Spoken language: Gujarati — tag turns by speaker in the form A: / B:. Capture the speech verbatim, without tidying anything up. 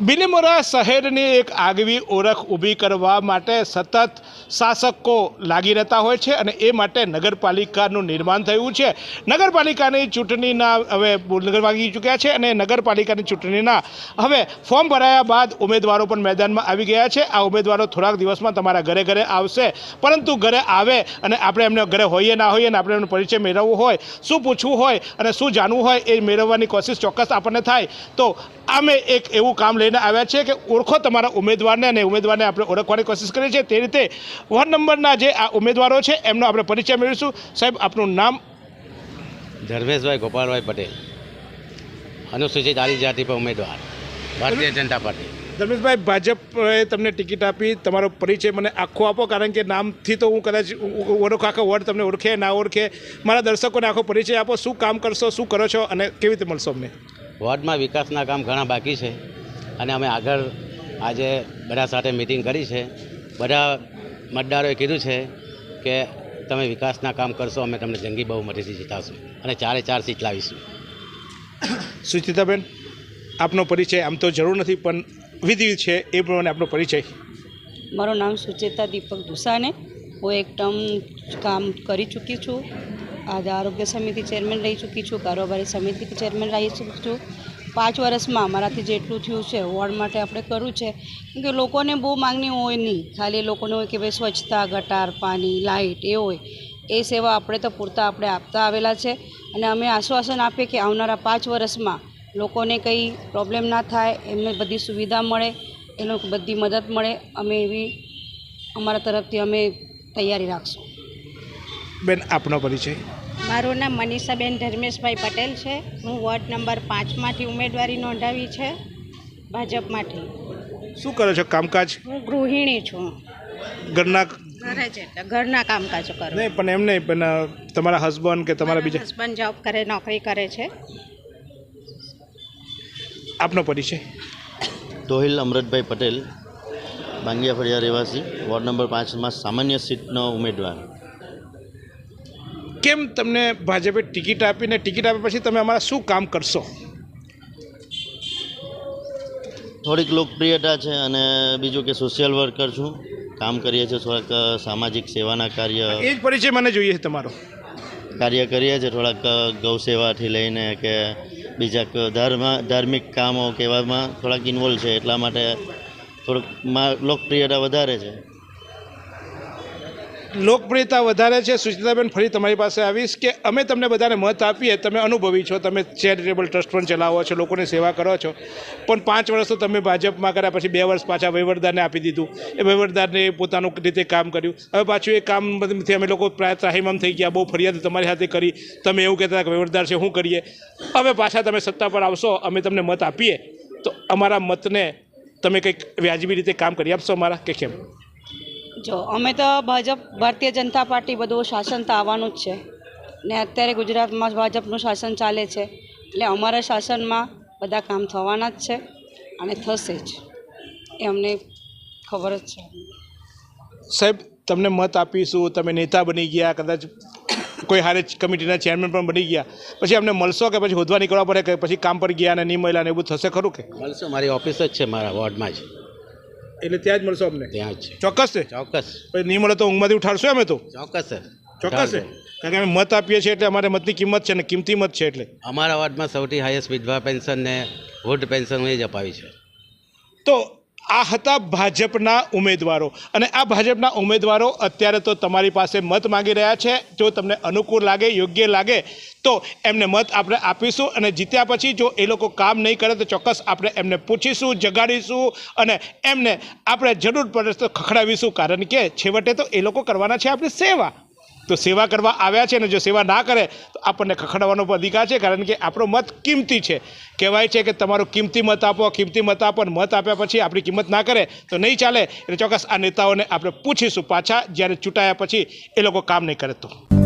A: બિલીમોરા શહેરની એક આગવી ઓળખ ઊભી કરવા માટે સતત શાસકો લાગી રહેતા હોય છે અને એ માટે નગરપાલિકાનું નિર્માણ થયું છે। નગરપાલિકાની ચૂંટણીના હવે નગર વાગી ચૂક્યા છે અને નગરપાલિકાની ચૂંટણીના હવે ફોર્મ ભરાયા બાદ ઉમેદવારો પણ મેદાનમાં આવી ગયા છે। આ ઉમેદવારો થોડાક દિવસમાં તમારા ઘરે ઘરે આવશે, પરંતુ ઘરે આવે અને આપણે એમને ઘરે હોઈએ ના હોઈએ અને આપણે એમનો પરિચય મેળવવો હોય, શું પૂછવું હોય અને શું જાણવું હોય એ મેળવવાની કોશિશ ચોક્કસ આપણને થાય। તો અમે એક એવું કામ લઈને આવ્યા છે કે ઓળખો તમારા ઉમેદવારને અને ઉમેદવારને આપણે ઓળખવાની કોશિશ કરીએ છીએ। તે રીતે વોર્ડ નંબરના જે આ ઉમેદવારો છે એમનો આપણે પરિચય મેળવીશું। સાહેબ, આપનું નામ?
B: ધર્મેશભાઈ ગોપાલભાઈ પટેલ, અનુસૂચિત આદિજાતિ પર ઉમેદવાર, ભારતીય જનતા પાર્ટી।
A: ધર્મેશભાઈ, ભાજપે તમને ટિકિટ આપી, તમારો પરિચય મને આખો આપો, કારણ કે નામથી તો હું કદાચ ઓળખ આખો વોર્ડ તમને ઓળખે ના ઓળખે। મારા દર્શકોને આખો પરિચય આપો, શું કામ કરશો, શું કરો છો અને કેવી રીતે મળશો અમને?
B: વોર્ડમાં વિકાસના કામ ઘણા બાકી છે અને અમે આગળ આજે બધા સાથે મિટિંગ કરી છે। બધા મતદારોએ કીધું છે કે તમે વિકાસના કામ કરશો, અમે તમને જંગી બહુમતીથી જીતાવશું અને ચારે ચાર સીટ લાવીશું।
A: સુચિતાબેન, આપનો પરિચય આમ તો જરૂર નથી પણ વિધિ છે એ પ્રમાણે આપનો પરિચય?
C: મારું નામ સુચેતા દીપક દુસાને, હું એક ટર્મ કામ કરી ચૂકી છું। આજે આરોગ્ય સમિતિ ચેરમેન રહી ચૂકી છું, કારોબારી સમિતિ ચેરમેન રહી ચૂકી છું। પાંચ વર્ષમાં અમારાથી જેટલું થયું છે વોર્ડ માટે આપણે કરવું છે, કેમ કે લોકોને બહુ માગણી હોય નહીં, ખાલી લોકોને હોય કે ભાઈ સ્વચ્છતા, ગટાર, પાણી, લાઇટ એ હોય, એ સેવા આપણે તો પૂરતા આપણે આપતા આવેલા છે અને અમે આશ્વાસન આપીએ કે આવનારા પાંચ વર્ષમાં લોકોને કંઈ પ્રોબ્લેમ ના થાય, એમને બધી સુવિધા મળે, એ લોકો બધી મદદ મળે, અમે એવી અમારા તરફથી અમે તૈયારી રાખશું।
A: બેન, આપનો પરિચય?
D: મારું નામ મનીષાબેન ધર્મેશભાઈ પટેલ છે। હું વોર્ડ નંબર પાંચમાંથી ઉમેદવારી નોંધાવી છે ભાજપમાંથી।
A: શું કરો છો કામકાજ?
D: હું ગૃહિણી છું,
A: ઘરના
D: ઘરે છે એટલે ઘરના કામકાજ કરું।
A: નહીં, પણ એમ નહીં, પણ તમારા હસબન્ડ કે તમારા બીજા?
D: હસબન્ડ જોબ કરે, નોકરી કરે છે।
A: આપનો પરિચય?
E: તોહિલ અમૃતભાઈ પટેલ, બાંગિયા ફળિયા રહેવાસી, વોર્ડ નંબર પાંચમાં સામાન્ય સીટનો ઉમેદવાર।
A: કેમ તમને ભાજપે ટિકિટ આપીને ટિકિટ આપ્યા પછી તમે અમારા શું કામ કરશો?
E: થોડીક લોકપ્રિયતા છે અને બીજું કે સોશિયલ વર્કર છું, કામ કરીએ છીએ, થોડાક સામાજિક સેવાના કાર્ય
A: એ જ પરિચય મને જોઈએ છે તમારો?
E: કાર્ય કરીએ છીએ, થોડાક ગૌ સેવાથી લઈને કે બીજા ધર્મ ધાર્મિક કામો કે એવામાં થોડાક ઇન્વોલ્વ છે, એટલા માટે થોડુંક લોકપ્રિયતા વધારે છે।
A: લોકપ્રિયતા વધારે છે। સુચિતાબેન, ફરી તમારી પાસે આવીશ કે અમે તમને બધાને મત આપીએ, તમે અનુભવી છો, તમે ચેરિટેબલ ટ્રસ્ટ પણ ચલાવો છો, લોકોની સેવા કરો છો, પણ પાંચ વર્ષ તો તમે ભાજપમાં કર્યા, પછી બે વર્ષ પાછા વહીવટદારને આપી દીધું, એ વહીવટદારને પોતાનું રીતે કામ કર્યું, હવે પાછું એ કામથી અમે લોકો પ્રાય ત્રાહિમામ થઈ ગયા, બહુ ફરિયાદ તમારી સાથે કરી, તમે એવું કહેતા કે વહીવટદાર છે શું કરીએ, હવે પાછા તમે સત્તા પર આવશો, અમે તમને મત આપીએ તો અમારા મતને તમે કંઈક વ્યાજબી રીતે કામ કરી આપશો અમારા, કે કેમ?
C: જો અમે તો ભાજપ ભારતીય જનતા પાર્ટી બધું શાસન તો આવવાનું જ છે ને અત્યારે ગુજરાતમાં ભાજપનું શાસન ચાલે છે, એટલે અમારા શાસનમાં બધા કામ થવાના જ છે અને થશે જ, એ અમને ખબર જ છે।
A: સાહેબ, તમને મત આપીશું, તમે નેતા બની ગયા, કદાચ કોઈ હારે કમિટીના ચેરમેન પણ બની ગયા, પછી અમને મળશો કે પછી હોદવા નીકળવા પડે કે પછી કામ પર ગયા અને નહીં મળ્યા ને એવું થશે ખરું કે?
B: મળશો, મારી ઓફિસ જ છે મારા વોર્ડમાં જ,
A: એટલે ત્યાં જ મળશો અમને?
B: ત્યાં જ છે।
A: ચોક્કસ છે?
B: ચોક્કસ।
A: પછી નહીં મળે તો ઊંઘમાંથી ઉઠાડશો અમે તો?
B: ચોક્કસ સર,
A: ચોક્કસ છે, કારણ કે અમે મત આપીએ છીએ એટલે અમારે મતની કિંમત છે ને કિંમતી મત છે એટલે।
B: અમારા વોર્ડમાં સૌથી હાઈએસ્ટ વિધવા પેન્શન ને વૃદ્ધ પેન્શન એ જ અપાવી છે।
A: તો આ હતા ભાજપના ઉમેદવારો અને આ ભાજપના ઉમેદવારો અત્યારે તો તમારી પાસે મત માંગી રહ્યા છે। જો તમને અનુકૂળ લાગે, યોગ્ય લાગે તો એમને મત આપણે આપીશું અને જીત્યા પછી જો એ લોકો કામ નહીં કરે તો ચોક્કસ આપણે એમને પૂછીશું, જગાડીશું અને એમને આપણે જરૂર પડે તો ખખડાવીશું, કારણ કે છેવટે તો એ લોકો કરવાના છે આપણી સેવા। તો સેવા કરવા આવ્યા છે ને જો સેવા ના કરે તો આપણને ખખડાવવાનો પણ અધિકાર છે, કારણ કે આપણો મત કિંમતી છે। કહેવાય છે કે તમારો કિંમતી મત આપો, કિંમતી મત આપો, અને મત આપ્યા પછી આપણી કિંમત ના કરે તો નહીં ચાલે। એટલે ચોક્કસ આ નેતાઓને આપણે પૂછીશું પાછા, જ્યારે ચૂંટાયા પછી એ લોકો કામ નહીં કરે તો।